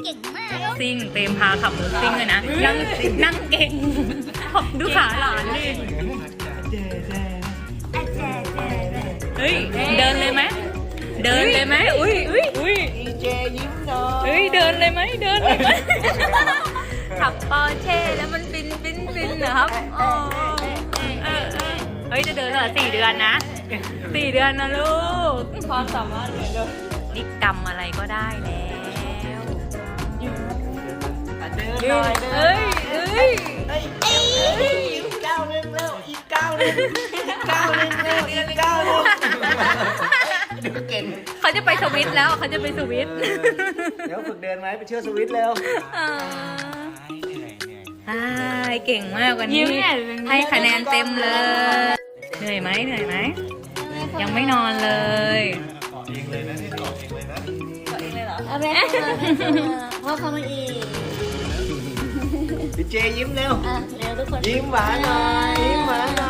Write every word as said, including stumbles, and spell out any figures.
เก่งมากซิ่งเต็มพาขับรถซิ่งเลยนะนั่งนั่งเก่งดูขาหลานดิเฮ้ยเดินเลยไหมเดินเลยไหมอุ้ยอุ้ยอุ้ยดีเจยิ้มหน่อยเฮ้ยเดินเลยไหมเดินเลยไหมขับปอร์เช่แล้วมันบินบินบินเหรอครับอ๋อเออเออเฮ้ยจะเดินเหรอสี่เดือนนะสี่เดือนนะลูกความสามารถเลยลูกนี่กำอะไรก็ได้แล้วเดินหน่อยเดินเอ้ยเอ้ยเฮ้ยอีกก้าวหนึงแล้วอีกก้าวหนึงอีกก้าวหนึงแล้วอีกก้าวหนึงดูเก่งเขาจะไปสวิตแล้วเขาจะไปสวิตเดี๋ยวฝึกเดินไหมไปเชื่อสวิตแล้วใช่เก่งมากวันนี้ให้คะแนนเต็มเลย เหนื่อยไหมเหนื่อยไหมยังไม่นอนเลยเอาไปพ่อเข้ามาอีกดีเจยิ้มเร็วอ่ะเร็วทุกคนยิ้มหวานหน่อยยิ้มหวานหน่อย